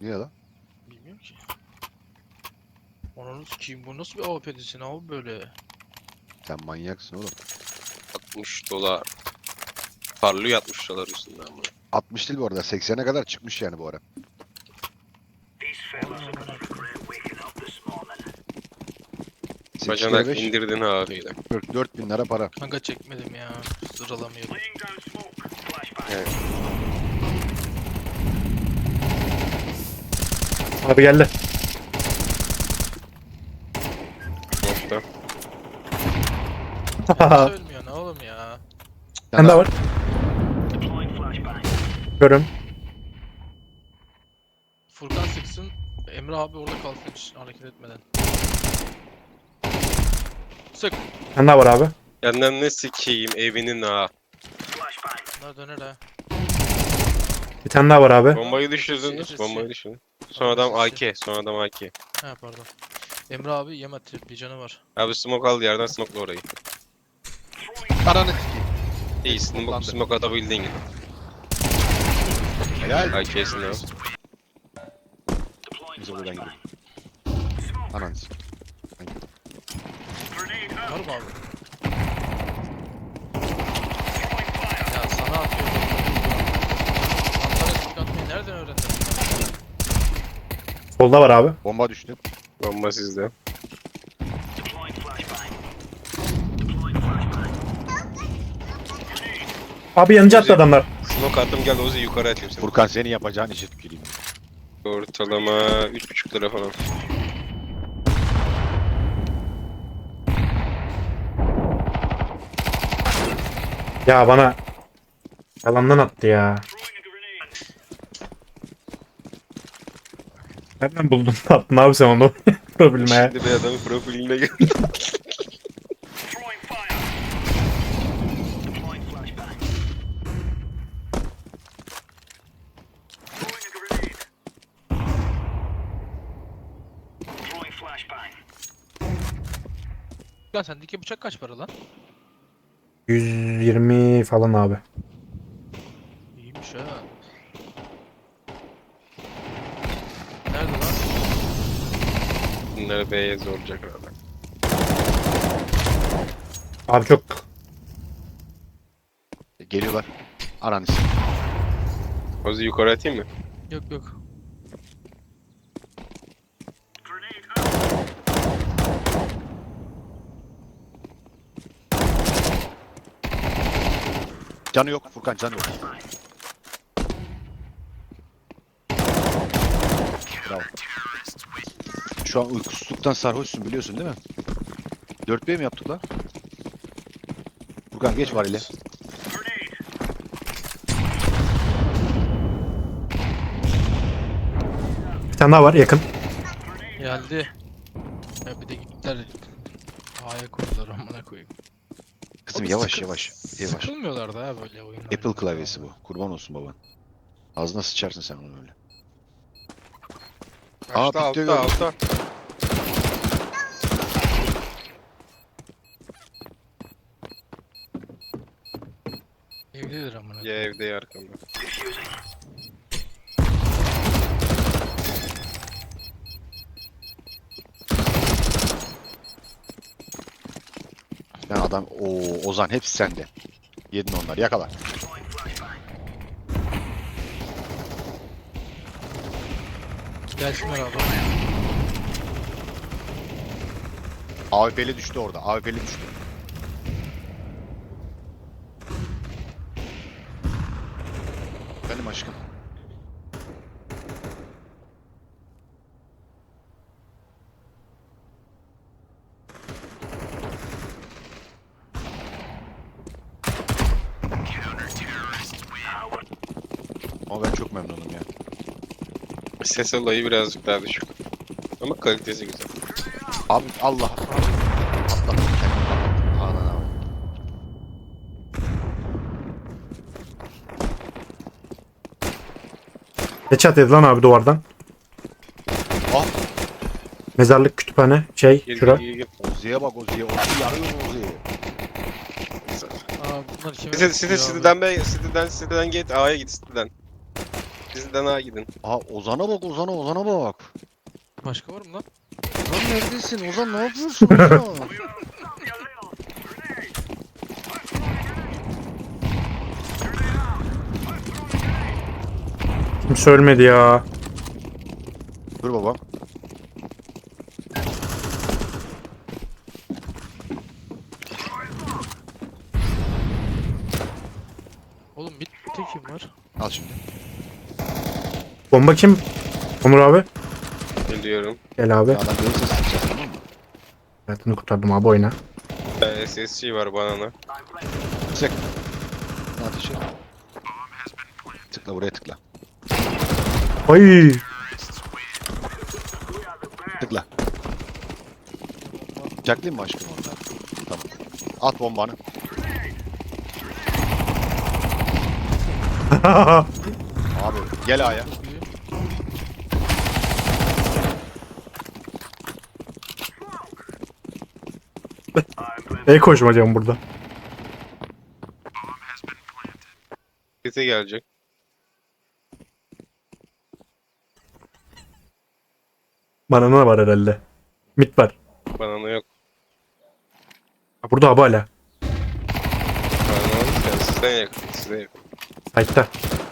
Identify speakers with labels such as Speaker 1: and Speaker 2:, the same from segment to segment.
Speaker 1: Niye lan?
Speaker 2: Bilmiyorum ki. Onun kim bu nasıl bir AWP'desin abi böyle?
Speaker 1: Sen manyaksın oğlum.
Speaker 3: 60 dolar. Parlıyor 60 dolar üstünden bu.
Speaker 1: 60 değil bu arada. 80'e kadar çıkmış yani bu ara.
Speaker 3: Bacanak
Speaker 1: 5,
Speaker 3: indirdin ağrıyla.
Speaker 1: 44 bin lira para.
Speaker 2: Kanka çekmedim ya. Sıralamıyorum.
Speaker 3: Evet.
Speaker 4: Abi geldi.
Speaker 3: Nokta.
Speaker 2: Nasıl ölmüyor ne oğlum ya?
Speaker 4: Sen de var. Görüm.
Speaker 2: Furkan sıksın. Emre abi orada kalsın hiç hareket etmeden. Sık.
Speaker 4: Sen de var abi.
Speaker 3: Yandan ne sikeyim evinin ha.
Speaker 2: Bunlar döner ha.
Speaker 4: Bir tane daha var abi.
Speaker 3: Bombayı
Speaker 2: Sesi,
Speaker 3: düşürdünüz.
Speaker 2: sesi.
Speaker 3: Bombayı düşürdün. Son adam
Speaker 2: Sesi.
Speaker 3: AK. Son adam AK.
Speaker 2: Ha pardon. Emre abi yem atıyor. Bir canı var.
Speaker 3: Abi smoke aldı yerden smoke'la orayı.
Speaker 1: Paranı sikeyim.
Speaker 3: İyi smoke atabildiğin gibi.
Speaker 1: Helal.
Speaker 3: AK'sin ya.
Speaker 1: Biz onu ben gidiyorum. Ananı sikeyim.
Speaker 2: Var mı abi? Ya sana atıyorum. Mantarı sık atmayı nereden öğrendin?
Speaker 4: Solda var abi.
Speaker 1: Bomba düştü.
Speaker 3: Bomba sizde.
Speaker 4: Abi yanıcı attı adamlar.
Speaker 3: Smoke attım gel Ozi yukarı atayım seni.
Speaker 1: Furkan senin yapacağın işe tüküreyim.
Speaker 3: Ortalama 3,5 lira falan.
Speaker 4: Ya bana yalandan attı ya. Nereden buldun da attın abi sen onu yapabilmeye?
Speaker 3: Şimdi bir adamın profiline gel.
Speaker 2: Furkan sendeki bıçak kaç para lan?
Speaker 4: 120 falan abi.
Speaker 2: İyiymiş ha. Nerede lan?
Speaker 3: Bunları B'ye zorlayacak herhalde.
Speaker 4: Abi çok
Speaker 1: Geliyorlar. Ananı sikeyim.
Speaker 3: Ozi yukarı atayım mı?
Speaker 2: Yok yok.
Speaker 1: Canı yok. Furkan canı yok. Bravo. Şu an uykusuzluktan sarhoşsun biliyorsun değil mi? 4B mi yaptık lan? Furkan geç var ile.
Speaker 4: bir tane daha var yakın.
Speaker 2: Geldi. Ya bir de gittiler. A'ya koydular amına koyayım.
Speaker 1: Kızım
Speaker 2: Oğlum
Speaker 1: yavaş
Speaker 2: sıkı-
Speaker 1: yavaş. Yavaş.
Speaker 2: Sıkılmıyorlar da ha böyle oyunlar.
Speaker 1: Apple klavyesi bu. Kurban olsun baban. Ağzına sıçarsın sen onu öyle. Aa,
Speaker 3: Altta
Speaker 1: bitti,
Speaker 3: altta
Speaker 1: gördüm.
Speaker 3: altta.
Speaker 2: Evlidir amına
Speaker 3: Ya
Speaker 2: koyayım.
Speaker 3: evde ya arkamda.
Speaker 1: Ben adam Ozan hepsi sende. Yedin onları yakala.
Speaker 2: Gelsinler abi.
Speaker 1: AWP'li düştü orada. AWP'li düştü. Benim aşkım. Ama ben çok memnunum ya.
Speaker 3: Ses olayı birazcık daha düşük. Ama kalitesi güzel.
Speaker 1: Abi Allah. Atladım kendimi kapattım. Anana bak.
Speaker 4: Headshot yedi lan abi duvardan.
Speaker 1: Ah.
Speaker 4: Mezarlık kütüphane
Speaker 3: Gir
Speaker 4: şura.
Speaker 3: gir gir.
Speaker 1: Ozi'ye bak Ozi'ye. Ozi yarıyor Ozi'ye.
Speaker 2: Aa bunlar kime?
Speaker 3: Siteden git A'ya git City'den. Sizden A gidin.
Speaker 1: Aa Ozan'a bak Ozan'a bak.
Speaker 2: Başka var mı lan?
Speaker 1: Ozan neredesin? Ozan ne yapıyorsun Ozan?
Speaker 4: Kimse ölmedi ya.
Speaker 1: Dur baba.
Speaker 2: Oğlum bitti kim var?
Speaker 1: Al şimdi.
Speaker 4: Bomba kim? Onur abi.
Speaker 3: Geliyorum.
Speaker 4: Gel abi.
Speaker 1: Adam gelirse sıkacağız tamam mı?
Speaker 4: Hayatını kurtardım abi oyna.
Speaker 3: Bir tane SSC var banana.
Speaker 1: Sık. Ne ateşi? Tıkla buraya tıkla.
Speaker 4: Ay.
Speaker 1: Tıkla. Bıçaklayayım mı aşkım ondan? Tamam. At bombanı. Abi gel A'ya.
Speaker 2: Çok iyi.
Speaker 4: Koşmayacağım burada.
Speaker 3: Site gelecek.
Speaker 4: Bana ne var herhalde? Mit var.
Speaker 3: Banana yok.
Speaker 4: Ha, burada abi hala.
Speaker 3: Banana yok. Sizden yakın. Sizden yakın.
Speaker 4: Hayatta.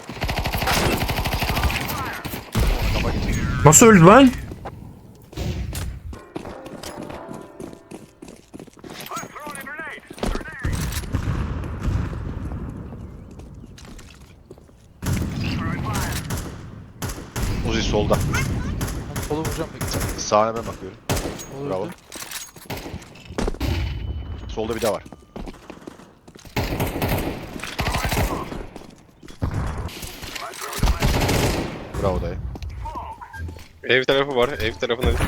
Speaker 4: Nasıl öldü lan?
Speaker 1: Uzi solda.
Speaker 2: Ben sola vuracağım bekle.
Speaker 1: Sağına ben bakıyorum.
Speaker 2: Olur
Speaker 1: Bravo.
Speaker 2: öldü.
Speaker 1: Solda bir daha var. Bravo dayı.
Speaker 3: Ev tarafı var. Ev tarafına lütfen.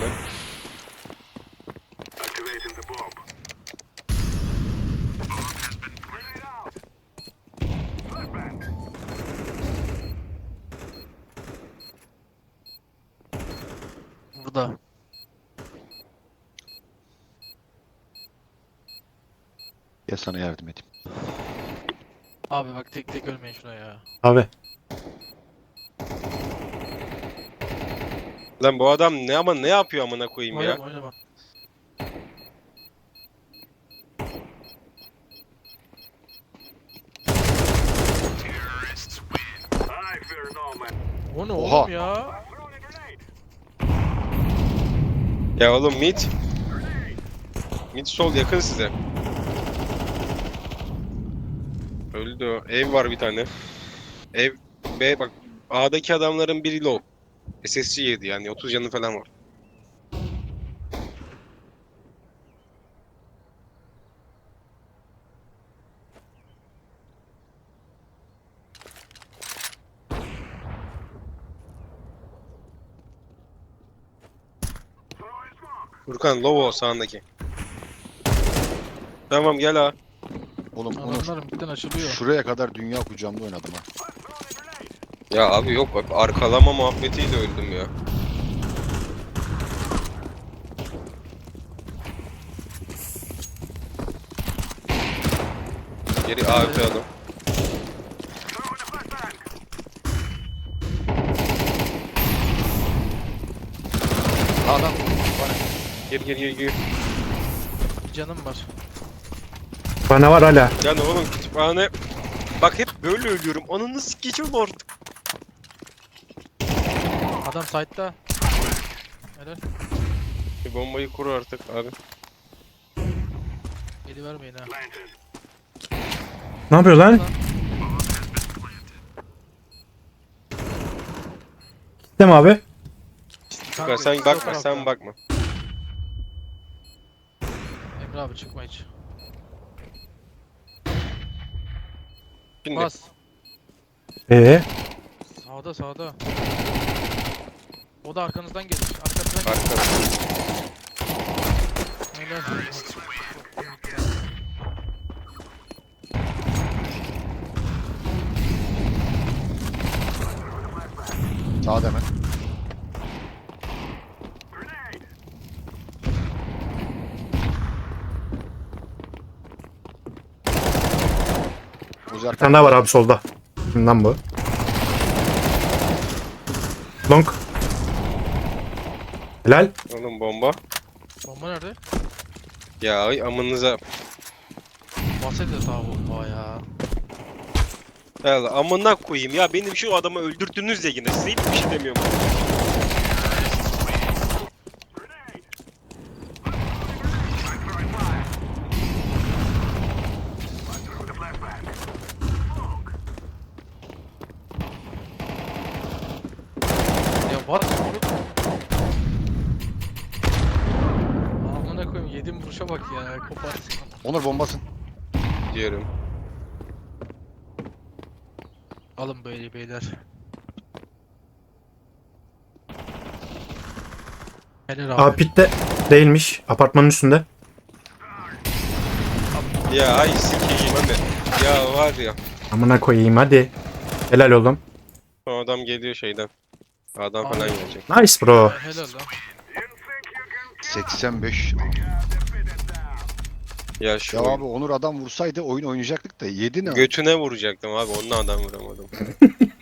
Speaker 2: Burada.
Speaker 1: Gel sana yardım edeyim.
Speaker 2: Abi bak tek tek ölmeyin şuna ya.
Speaker 4: Abi.
Speaker 3: Lan bu adam ne yapıyor amına koyayım ya?
Speaker 2: Oynama oynama. O ne
Speaker 1: Oha.
Speaker 2: oğlum ya?
Speaker 3: Ya oğlum mid. Mid sol yakın size. Öldü o. Ev var bir tane. Ev B bak. A'daki adamların biri low. SSC yedi yani 30 canı falan var. Furkan low o sağındaki. Tamam gel ha.
Speaker 1: Oğlum Onur.
Speaker 2: Adamlar midden açılıyor.
Speaker 1: Şuraya kadar dünya kucağımda oynadım ha.
Speaker 3: Ya abi yok bak arkalama muhabbetiyle öldüm ya. Geri AWP adam.
Speaker 1: Adam.
Speaker 3: Gir.
Speaker 2: Bir canım var.
Speaker 4: Bana var hala.
Speaker 3: Yani oğlum kütüphane... Bak hep böyle ölüyorum. Ananı sikeceğim artık.
Speaker 2: Adam site'da. Helal.
Speaker 3: Bir bombayı kur artık abi.
Speaker 2: Eli vermeyin ha.
Speaker 4: Ne yapıyor lan? Gittim abi.
Speaker 3: Furkan sen
Speaker 2: sol
Speaker 3: bakma
Speaker 2: tarafta.
Speaker 3: sen bakma.
Speaker 2: Emre abi çıkma hiç.
Speaker 3: Şimdi
Speaker 2: Bas. Sağda. O da arkanızdan gelir. Arkanızdan gelir.
Speaker 3: arkada.
Speaker 2: Helal.
Speaker 1: Sağda hemen. Uzi
Speaker 4: Bir tane daha var abi solda. Kimden bu? Long. Helal.
Speaker 3: Oğlum bomba.
Speaker 2: Bomba nerede?
Speaker 3: Ya ay amınıza.
Speaker 2: Bahsediyor daha bomba ya.
Speaker 3: Ya amına koyayım ya, benim şu adamı öldürdünüz ya yine. Size hiçbir şey demiyorum.
Speaker 2: Ya what? Amına koyayım, yediğim vuruşa bak ya, kopar.
Speaker 1: Onur bombasın.
Speaker 3: Diyorum.
Speaker 2: Alın böyle beyler. Helal abi.
Speaker 4: Aa pitte değilmiş. Apartmanın üstünde.
Speaker 3: Ya ay sikeyim abi. Ya var ya.
Speaker 4: Amına koyayım hadi. Helal oğlum.
Speaker 3: O adam geliyor şeyden. Adam
Speaker 2: Abi.
Speaker 3: falan gelecek.
Speaker 4: Nice bro.
Speaker 2: Helal lan.
Speaker 1: 85.
Speaker 3: Ya şu
Speaker 1: Ya abi Onur adam vursaydı oyun oynayacaktık da yedi ne?
Speaker 3: götüne vuracaktım abi. Onunla adam vuramadım.